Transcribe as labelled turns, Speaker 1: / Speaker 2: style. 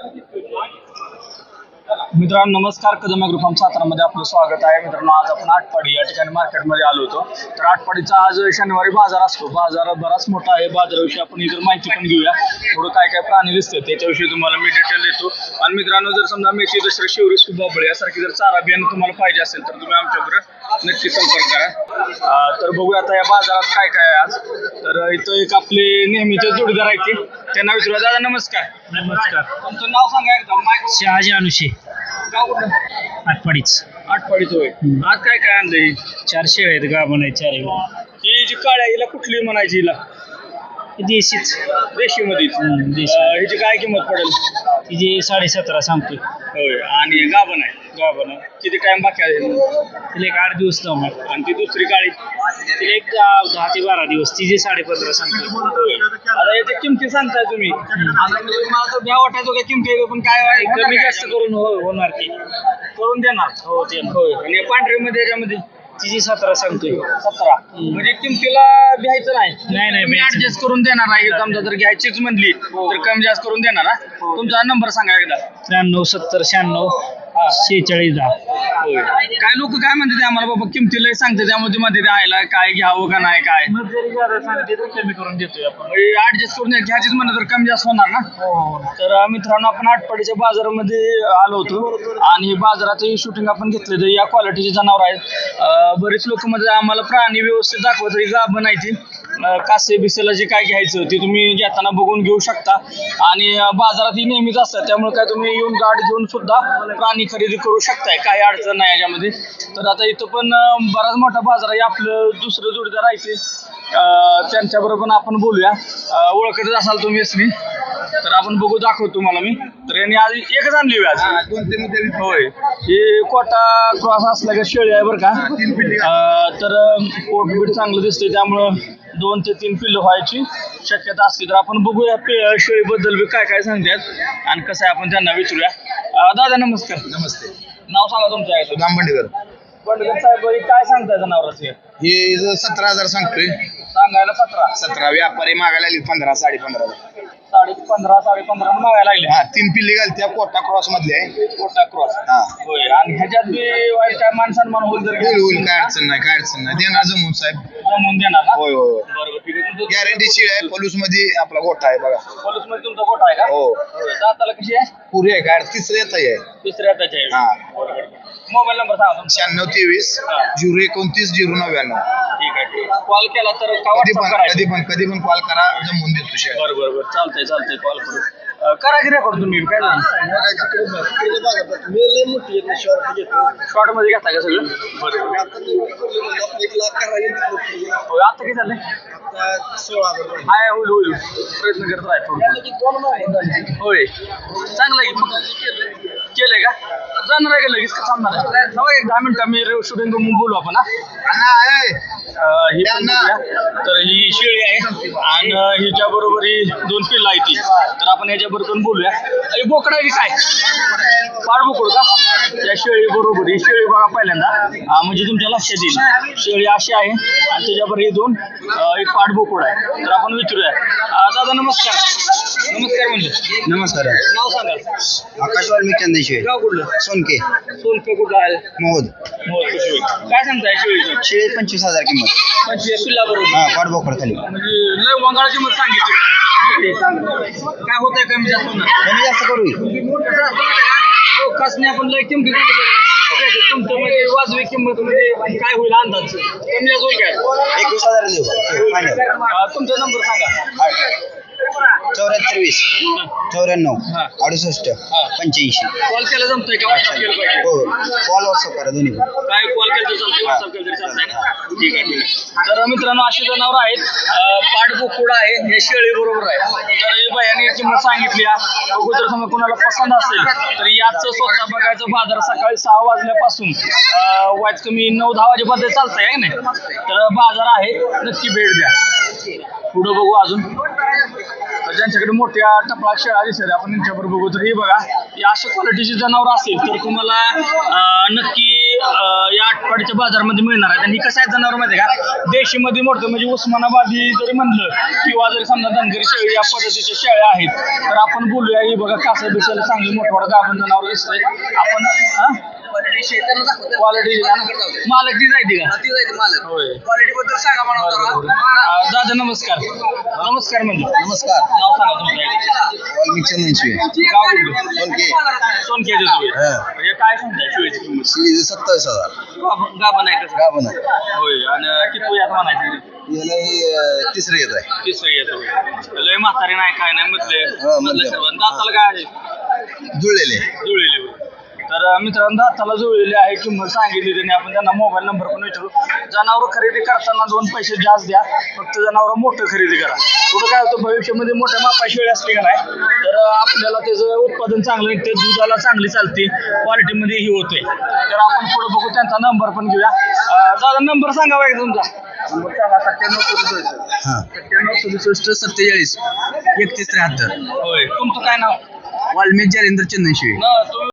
Speaker 1: मित्रांनो नमस्कार. Kadam agro form सातारामध्ये आपलं स्वागत आहे. मित्रांनो आज आपण आटपाडी या ठिकाणी मार्केटमध्ये आलो होतो. तर आटपाडीचा आज शनिवारी बाजार असतो. बाजार बराच मोठा आहे. बाजाराविषयी आपण इतर माहिती पण घेऊया. थोडं काय काय प्राणी दिसतात त्याच्याविषयी तुम्हाला मी डिटेल देतो. आणि मित्रांनो जर समजा मेथी दसरा शिवरी सुबाबळे यासारखी जर चारा बियाणं तुम्हाला पाहिजे असेल तर तुम्ही आमच्याबरोबर नक्की संपर्क करा. तर बघूया आता या बाजारात काय काय आहे आज. तर इथं एक आपले नेहमीचे जोडीदार आहेत ते त्यांना विचारूया. दादा नमस्कार.
Speaker 2: नमस्कार.
Speaker 1: तुमचं नाव सांगा एकदा. माईक
Speaker 2: शहाजी अनुषे
Speaker 1: गाव कुठं?
Speaker 2: आटपाडीच.
Speaker 1: आटपाडीचं होय. आज काय काय आणलंय?
Speaker 2: 400 आहेत गाभण आहे 4
Speaker 1: ही जी काळ्या हिला कुठली म्हणायची हिला?
Speaker 2: देशीच.
Speaker 1: देशी मध्ये
Speaker 2: देशी.
Speaker 1: हिची काय किंमत पडेल?
Speaker 2: तिची 17.5 सांगतोय.
Speaker 1: होय. आणि गाभण आहे.
Speaker 2: गाभण आहे.
Speaker 1: किती टाइम बाकी आहे?
Speaker 2: तिला एक 8 दिवस जाऊ.
Speaker 1: आणि ती दुसरी काळी
Speaker 2: तिला एक 10 ते 12 दिवस. तिचे 15.5 सांगतोय.
Speaker 1: होय. आता याच्या किमती सांगताय तुम्ही. आता मला तर भ्या वाटायचो काय किमती आहे, पण काय
Speaker 2: कमी जास्त करून होणार की
Speaker 1: करून देणार.
Speaker 2: हो ते
Speaker 1: होय. आणि पांढरीमध्ये याच्यामध्ये
Speaker 2: तिची 17 सांगतोय.
Speaker 1: 17. म्हणजे किमतीला भ्यायचं नाही.
Speaker 2: नाही
Speaker 1: मी ऍडजस्ट करून देणार आहे. समजा जर घ्यायचीच म्हणली तर कमी जास्त करून देणार. तुमचा नंबर सांगा एकदा.
Speaker 2: 93 70 96 46 10.
Speaker 1: होय. काय लोक काय म्हणतात आम्हाला बाबा किमतीला सांगते त्यामध्ये मध्ये द्यायला काय घ्यावं का नाही काय
Speaker 2: मग जरी जादा सांगते तर कमी करून देतोय आपण.
Speaker 1: ऍडजस्ट करून घ्यायचीच म्हणलं तर कमी जास्त होणार ना. तर मित्रांनो आपण आटपाडीच्या बाजारामध्ये आलो होतो आणि बाजाराचं शूटिंग आपण घेतलं तर या क्वालिटीचे जनावर आहेत. बरेच लोक म्हणजे आम्हाला प्राणी व्यवस्थित दाखवत तरी गाभण आहे ती कासे बिसेला जे काय घ्यायचं ते तुम्ही घेताना बघून घेऊ शकता. आणि बाजारात ही नेहमीच असतात त्यामुळे काय तुम्ही येऊन गाठ घेऊन सुद्धा प्राणी खरेदी करू शकताय. काही अडचण नाही याच्यामध्ये. तर आता इथं पण बराच मोठा बाजार आहे. आपलं दुसरं जोडीदार आहे ते त्यांच्याबरोबर पण आपण बोलूया. ओळखतच असाल तुम्ही असली तर आपण बघू दाखवतो तुम्हाला मी. तर यांनी आज एकच आणली आज. होय. हे कोटा क्रॉस असला का शेळी आहे बरं का. तर पोटबीट चांगलं दिसतंय त्यामुळं 2 ते 3 पिल्लं व्हायची शक्यता असते. तर आपण बघूया शेळीबद्दल बी काय काय सांगतात आणि कसं आहे आपण त्यांना विचारूया. दादा नमस्कार.
Speaker 3: नमस्ते.
Speaker 1: नाव सांगा तुमचं आहे.
Speaker 3: गांबंडेकर.
Speaker 1: बंडगर साहेब काय सांगताय जनावराचे?
Speaker 3: हे 17,000 सांगतोय.
Speaker 1: सांगायला 17.
Speaker 3: 17 व्यापारी मागायला लागली 15 15.5.
Speaker 1: 15.5 15.5 मागायला लागले.
Speaker 3: हा 3 पिल्ले घालत्या कोटा क्रॉस मधले आहे.
Speaker 1: कोटा क्रॉस.
Speaker 3: हा
Speaker 1: होय. आणि ह्याच्यात बी वाईट काय मान सन्मान होईल तर
Speaker 3: होईल होईल काय अडचण नाही काय अडचण नाही देणार जमून साहेब.
Speaker 1: जमवून देणार ना.
Speaker 3: होय होय
Speaker 1: बरोबर ठीक आहे. तुमचं
Speaker 3: गॅरंटी शिळ आहे. पलूस मध्ये आपला गोठा आहे बघा.
Speaker 1: पोलीस मध्ये तुमचा कोटा आहे का?
Speaker 3: हो.
Speaker 1: होय. दाताला कशी आहे?
Speaker 3: पुरी आहे काय तिसरं येत आहे.
Speaker 1: तिसऱ्या त्याच्या आहे.
Speaker 3: हा.
Speaker 1: बरोबर. मोबाईल नंबर सांगा तुमचा.
Speaker 3: 96 23 029 099.
Speaker 1: ठीक आहे. कॉल केला तर का
Speaker 3: कधी
Speaker 1: WhatsApp
Speaker 3: पण
Speaker 1: करायचं?
Speaker 3: कधी पण कॉल करा जमवून देतो शेळ.
Speaker 1: बरोबर चालतंय चालतंय. कॉल करू. करा की रेकॉर्ड तुम्ही काय शॉर्ट मध्ये घेता का सगळं? बरोबर. आता किती झालंय? हाय होईल होईल. प्रयत्न करत राहा थोडं. होय. चांगलं आहे की केलंय का? जाणार आहे का लगेच का थांबणार आहे? थांबा एक 10 मिनिटं मी शूटिंग बोलू आपण. ही पण बघूया. तर ही शेळी आहे आणि हिच्या बरोबर ही 2 पिल्लं आहे ती. तर आपण ह्याच्याबरोबर पण बोलूया. बोकडा आहे की काय? पाडबोकड का? त्या शेळी बरोबर ही शेळी बघा पहिल्यांदा म्हणजे तुमच्या लक्षात येईल. शेळी अशी आहे आणि त्याच्याबरोबर हे 2 एक पाडबोकड आहे. तर आपण विचारूया. दादा नमस्कार. नमस्कार म्हणजे.
Speaker 3: नमस्कार.
Speaker 1: नाव सांगा.
Speaker 3: आकाश वाल्मिक चंदेश्वर.
Speaker 1: गाव कुठलं?
Speaker 3: सोनके.
Speaker 1: सोनके कुठं आहे?
Speaker 3: मोहद.
Speaker 1: काय सांगताय शेळीचं?
Speaker 3: शेळी 25,000 किंमत.
Speaker 1: 25 पिल्ला बरोबर.
Speaker 3: हा पाठबोकड खाली.
Speaker 1: म्हणजे लय वंगाळाची मत सांगितली. काय होतंय कमी जास्त होणार?
Speaker 3: कमी जास्त करू.
Speaker 1: कसने आपण लय किमती तुमचं म्हणजे वाजवी किंमत म्हणजे काय होईल अंदाज? कमी जास्त होईल काय?
Speaker 3: 21,000 देऊ फायनल.
Speaker 1: तुमचा नंबर सांगा.
Speaker 3: 74 20 94 68 85.
Speaker 1: कॉल केला जमतोय का? WhatsApp केलं पाहिजे.
Speaker 3: हो कॉल व्हॉट्सअप करा दोन्ही पण.
Speaker 1: काय कॉल केलं तर चालतंय, WhatsApp केलं तरी चालतंय ना? ठीक आहे ठीक आहे. तर मित्रांनो अशी जनावर आहेत. पाठबोकुड आहे हे शेळी बरोबर आहे. तर हे बायाने किंमत सांगितली. बघू जर समजा कोणाला पसंत असेल तर याचं स्वतः बघायचं. बाजार सकाळी 6 वाजल्यापासून वाईट कमी 9-10 वाजेपर्यंत चालतंय आहे ना. तर बाजार आहे नक्की भेट द्या. पुढं बघू अजून ज्यांच्याकडे मोठ्या टपळा शेळ्या दिसतात आपण त्यांच्याबरोबर बघू. तर हे बघा, या अशा क्वालिटीची जनावर असेल तर तुम्हाला नक्की या आटपाडीच्या बाजारामध्ये मिळणार आहेत. आणि कसं आहे जनावर माहिती आहे का, देशीमध्ये मोठं म्हणजे उस्मानाबादी जरी म्हणलं किंवा जरी समजा धनगरी शेळी या पद्धतीच्या शेळ्या आहेत तर आपण बोलूया. ही बघा कासं बिसायला चांगली मोठं गाभण जनावर दिसतंय. आपण क्वालिटी मालक ती जायती का होय. दादा नमस्कार. नमस्कार म्हणजे
Speaker 3: नमस्कार.
Speaker 1: नाव सांगा तुमचं.
Speaker 3: वाल्मिक चंदनशिवे.
Speaker 1: गाव कुठलं?
Speaker 3: सोनके.
Speaker 1: सोनके तुम्ही हे काय सांगताय शिवायची किंमत?
Speaker 3: 27,000.
Speaker 1: गाभण आहे कसं
Speaker 3: गाभण आहे.
Speaker 1: होय. आणि किती वयात म्हणायचं?
Speaker 3: याला ही तिसरं येत आहे.
Speaker 1: तिसरं येतं. लय म्हातारी नाही काय नाही मधले
Speaker 3: मधले.
Speaker 1: सर्व दाताला काय आहे
Speaker 3: जुळलेले.
Speaker 1: जुळलेले. तर मित्रांनो दाताला जुळलेले आहे. किंमत सांगितली त्यांनी. आपण त्यांना मोबाईल नंबर पण विचारू. जनावर खरेदी करताना 2 पैसे जास्त द्या, फक्त जनावर मोठं खरेदी करा. पुढं काय होतं भविष्यामध्ये मोठ्या मापा शेळी असली का नाही तर आपल्याला त्याचं उत्पादन चांगलं निघते, दुधाला चांगली चालते, क्वालिटीमध्ये ही होते. तर आपण पुढे बघू, त्यांचा नंबर पण घेऊया. दादा नंबर सांगावा का तुमचा? नंबर सांगा.
Speaker 3: 97 47 31 73.
Speaker 1: होय. तुमचं काय नाव?
Speaker 3: वाल्मिक जालेंद्र चंदनशिवे.
Speaker 1: तुम्ही